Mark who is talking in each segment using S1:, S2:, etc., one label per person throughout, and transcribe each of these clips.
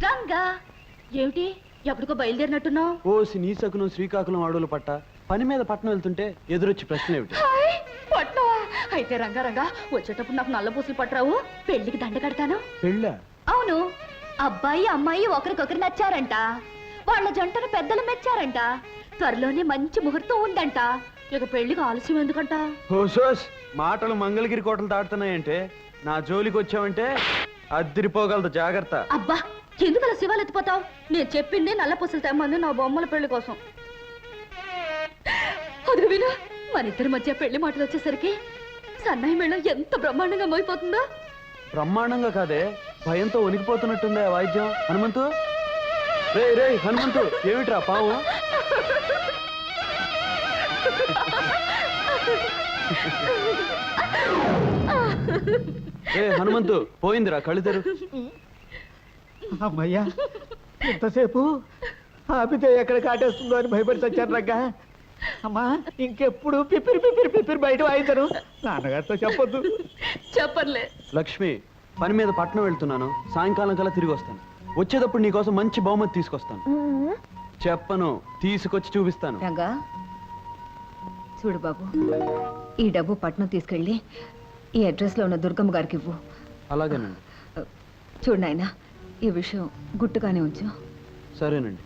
S1: రంగా ఏమిటి ఎప్పటికో బయలుదేరినట్టున్నావు?
S2: ఓసి నీ సకునం శ్రీకాకుళం అడవులు పట్ట పని మీద పట్టణం వెళ్తుంటే ఎదురొచ్చి ప్రశ్న ఏమిటి?
S1: పట్నవా? అయితే రంగా రంగా వచ్చేటప్పుడు నాకు నల్ల పూసలు పట్టరావు, పెళ్లికి దండ కడతాను.
S2: పెళ్ళా?
S1: అవును, అబ్బాయి అమ్మాయి ఒకరికొకరు నచ్చారంట, వాళ్ళ జంటను పెద్దలు మెచ్చారంట, త్వరలోనే మంచి ముహూర్తం ఉందంట. ఇక పెళ్లికి ఆలస్యం ఎందుకంట?
S2: ఓసోస్ మాటలు మంగళగిరి కోటలు దాటుతున్నాయంటే నా జోలికి వచ్చావంటే అద్దిరిపోగలదు, జాగ్రత్త.
S1: అబ్బా ఎందుకు అలా శివాలు ఎత్తిపోతావు? నేను చెప్పింది నల్ల పూసలు తెమ్మంది నా బొమ్మల పెళ్లి కోసం. అది విను, మన ఇద్దరి మధ్య పెళ్లి మాటలు వచ్చేసరికి సన్నాయి మేళం ఎంత బ్రహ్మాండంగా మోయిపోతుందో.
S2: బ్రహ్మాండంగా కాదే, భయంతో వణికిపోతున్నట్టుందే వాయిద్యం. హనుమంతు, రే రే హనుమంతు, ఏమిట్రా పావు? ఏ హనుమంతు, పోయిందిరా, కళ్ళు తెరు.
S3: అమ్మయ్యా, ఎంతసేపు ఆపితే ఎక్కడ కాటేస్తుందో అని భయపడి చచ్చాను రంగా. అమ్మా ఇంకెప్పుడు పిపిరి పిపిరి పిపిరి బయట వాయించను, నాన్నగారితో చెప్పొద్దు.
S1: చెప్పర్లే.
S2: లక్ష్మి, పని మీద పట్నం వెళ్తున్నాను, సాయంకాలం కల్లా తిరిగి వస్తాను. వచ్చేటప్పుడు నీకోసం మంచి బహుమతి తీసుకొస్తాను. చెప్పను, తీసుకొచ్చి చూపిస్తాను.
S4: రంగా చూడు బాబు, ఈ డబ్బు పట్నం తీసుకెళ్ళి ఈ అడ్రస్ లో ఉన్న దుర్గమ్మ గారికి ఇవ్వు.
S2: అలాగేనండి.
S4: చూడు నాయనా, ఈ విషయం గుట్టుగానే ఉంచు.
S2: సరేనండి.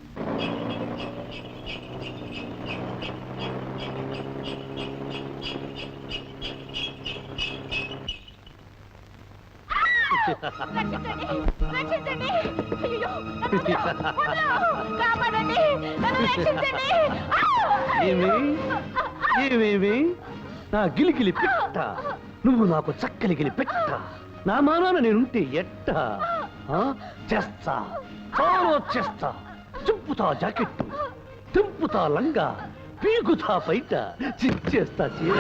S5: ఏమేమి నా గిలిగిలి పెట్ట, నువ్వు నాకు చక్కలిగిలి పెట్ట, నా మానాన నేనుంటే ఎట్ట చేస్తా, చాలా చేస్తా. చింపుతా జాకెట్టు, తింపుతా లంగా, పీకుతా బయట, చిచ్చేస్తా చీర.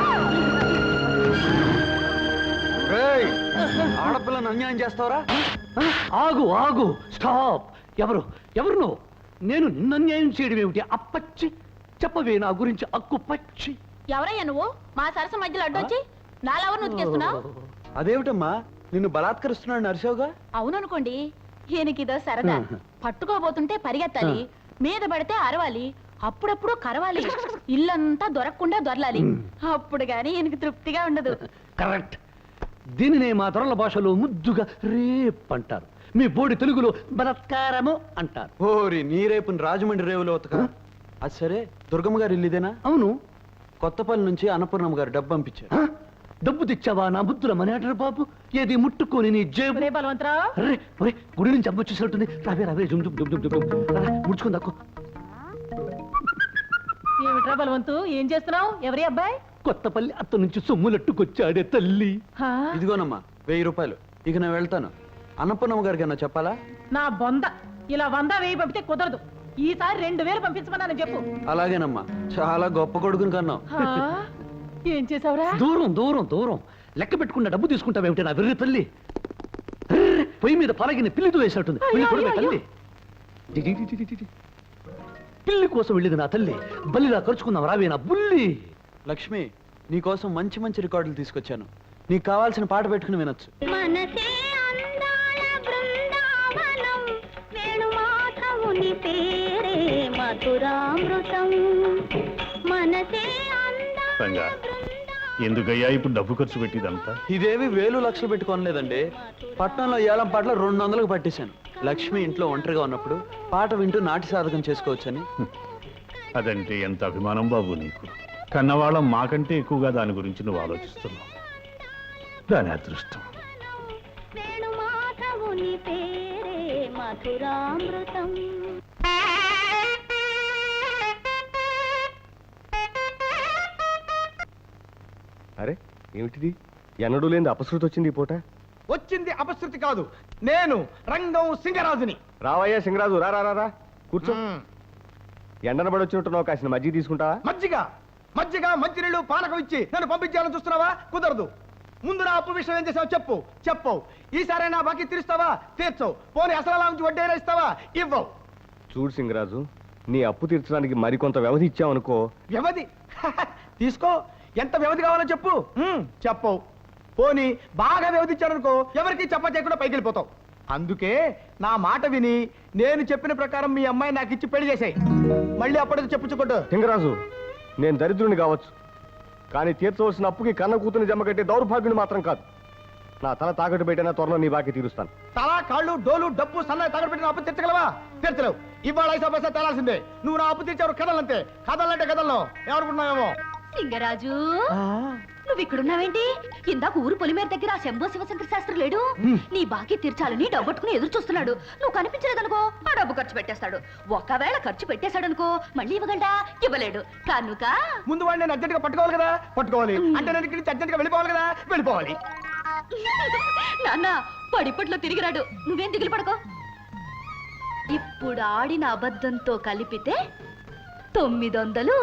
S2: ఆడపిల్లను అన్యాయం చేస్తావరా?
S5: ఆగు ఆగు, స్టాప్. ఎవరు ఎవరు నువ్వు? నేను నిన్ను అన్యాయం చేయడం ఏమిటి? అప్పచ్చి చెప్పవే నా గురించి అక్కు పచ్చి.
S1: ఎవరయ్యా నువ్వు మా సరస మధ్యలో అడ్డొచ్చి నాలెవరు నుతికేస్తున్నావు?
S2: అదేమిటమ్మా, నిన్ను బలాత్కరిస్తున్నాడు నరసోగా?
S1: అవుననుకోండి, ఈయనకిదో సరదా. పట్టుకోబోతుంటే పరిగెత్తాలి, మీద పడితే అరవాలి, అప్పుడప్పుడు కరవాలి, ఇల్లంతా దొరకకుండా దొరలాలి. అప్పుడు గాని ఈయనకి తృప్తిగా ఉండదు.
S5: కరెక్ట్. దీనినే మా తొరల భాషలో ముద్దుగా రేప్ అంటారు, మీ బోడి తెలుగులో బలత్కారము అంటారు.
S2: ఓరి నీ రేపుని రాజమండ్రి రేవులో ఉతక. అది సరే, దుర్గమ్మ గారు ఇల్లు ఇదేనా?
S5: అవును.
S2: కొత్తపల్లి నుంచి అన్నపూర్ణమ్మ గారు డబ్బు పంపించారు.
S5: డబ్బు తెచ్చావా నా బుద్ధుల మనేటరు బాబు? ఏది ముట్టుకొని నీ జేబు.
S1: బలవంతరావు,
S5: గుడి నుంచి అమ్మ వచ్చేసరికి రావే రావే, జుమ్ జుమ్ జుమ్ జుమ్ జుమ్ ముడుచుకుని దక్కు.
S1: ఏమిట్రా బలవంతు, ఏం చేస్తున్నావు? ఎవరి అబ్బాయి?
S5: కొత్తపల్లి అత్త నుంచి సొమ్ములట్టుకొచ్చాడే తల్లి.
S2: ఇదిగోనమ్మా 1000 రూపాయలు. ఇక నేను వెళ్తాను. అన్నపూర్ణమ్మ గారికి అన్నా చెప్పాలా?
S1: నా బొంద, ఇలా 100 1000 పంపితే కుదరదు. ఈసారి 2000 పంపించమని చెప్పు.
S2: అలాగేనమ్మా, చాలా గొప్ప కొడుకుని కన్నావు.
S1: ఏం చేసావురా?
S5: దూరం దూరం దూరం లెక్క పెట్టుకున్న డబ్బు తీసుకుంటావేమిటి నా వెర్రి తల్లి? పొయ్యి మీద పలగిన పిల్లితో వేసినట్టుంది. తల్లి పిల్లి కోసం వెళ్ళేది నా తల్లి, బల్లిలా ఖర్చుకుందాం రావే నా బుల్లి.
S2: లక్ష్మి, నీకోసం మంచి మంచి రికార్డులు తీసుకొచ్చాను. నీకు కావాల్సిన పాట పెట్టుకుని వినొచ్చు.
S6: ఎందుకయ్యా ఇప్పుడు డబ్బు ఖర్చు పెట్టిదంతా?
S2: ఇదేవి 1000 లక్షలు పెట్టుకోనలేదండి. పట్నంలో ఏలం పాటలు 200లకు పట్టేశాను. లక్ష్మి ఇంట్లో ఒంటరిగా ఉన్నప్పుడు పాట వింటూ నాటి సాధకం చేసుకోవచ్చని.
S6: అదంటే ఎంత అభిమానం బాబు నీకు. కన్నవాళ్ళం మాకంటే ఎక్కువగా దాని గురించి నువ్వు ఆలోచిస్తున్నావు. దాని అదృష్టం.
S3: అరే ఏమిటిది, ఎన్నడూ లేని అపశృతి వచ్చింది ఈ పూట?
S7: వచ్చింది అపశృతి కాదు, నేను రంగం సింగరాజుని.
S3: రావయ్యా సింగరాజు, రా రా రా, కూర్చో. ఎండన పడి వచ్చినట్టున్నావు, కాసిన మజ్జిగ తీసుకుంటావా?
S7: మజ్జిగ మజ్జిగ మంచినీళ్ళు పానకం ఇచ్చి నన్ను పంపించాలని చూస్తున్నావా? కుదరదు. ముందు నా అప్పు విషయం ఏం చేసావు చెప్పు. చెప్పవు. ఈసారి నా బాకీ తీరుస్తావా? తీర్చవు. పోనీ అసలు నుంచి వడ్డీ ఇస్తావా? ఇవ్వవు.
S3: చూడు సింగరాజు, నీ అప్పు తీర్చడానికి మరికొంత వ్యవధి ఇచ్చావనుకో.
S7: వ్యవధి తీసుకో, ఎంత వ్యవధి కావాలో చెప్పు. చెప్పవు. పోనీ బాగా వ్యవధి ఇచ్చారనుకో, ఎవరికి చెప్ప చేయకుండా పైకి వెళ్ళిపోతావు. అందుకే నా మాట విని నేను చెప్పిన ప్రకారం మీ అమ్మాయి నాకు ఇచ్చి పెళ్లి చేసాయి. మళ్ళీ అప్పటికి చెప్పుచ్చుకోట్టు.
S8: లింగరాజు, నేను దరిద్రుని కావచ్చు, కానీ తీర్చవలసిన అప్పుకి కన్న కూతుని జమ కట్టే దౌర్భాగ్యుని మాత్రం కాదు. నా తల తాకట్టు పెట్టినా త్వరలో నీ బాకీ తీరుస్తాను.
S7: తల, కాళ్ళు, డోలు, డబ్బు, సన్నాయి తాగడ పెట్టిన అప్పు తీర్చగలవా? తీర్చలేవు. ఇవాళ 5 పైసా తేలాల్సిందే. నువ్వు నా అప్పు తీర్చావు కథలంతే. కథలంటే కథల్లో ఎవరుకున్నావేమో.
S1: లింగరాజు నువ్వు ఇక్కడున్నావేంటి? ఇందాక ఊరు పొలిమేర దగ్గర ఆ శంభో శివశంకర శాస్త్రి లేడు? నీ బాకీ తీర్చాలని డబ్బట్టుకుని ఎదురు చూస్తున్నాడు. నువ్వు కనిపించలేదనుకో ఆ డబ్బు ఖర్చు పెట్టేస్తాడు. ఒకవేళ ఖర్చు పెట్టేశాడనుకో మళ్ళీ ఇవ్వగలడా? ఇవ్వలేడు కనుక
S7: ముందు వాడిని నేను అర్జెంట్ గా పట్టుకోవాలి కదా. పట్టుకోవాలి అంటే నేను ఇక్కడి నుంచి అర్జెంట్ గా వెళ్ళిపోవాలి కదా. వెళ్ళిపోవాలి.
S1: నాన్న పడిపట్లో తిరిగిరాడు. నువ్వేం దిగులు పడుకో. ఇప్పుడు ఆడిన అబద్ధంతో కలిపితే 900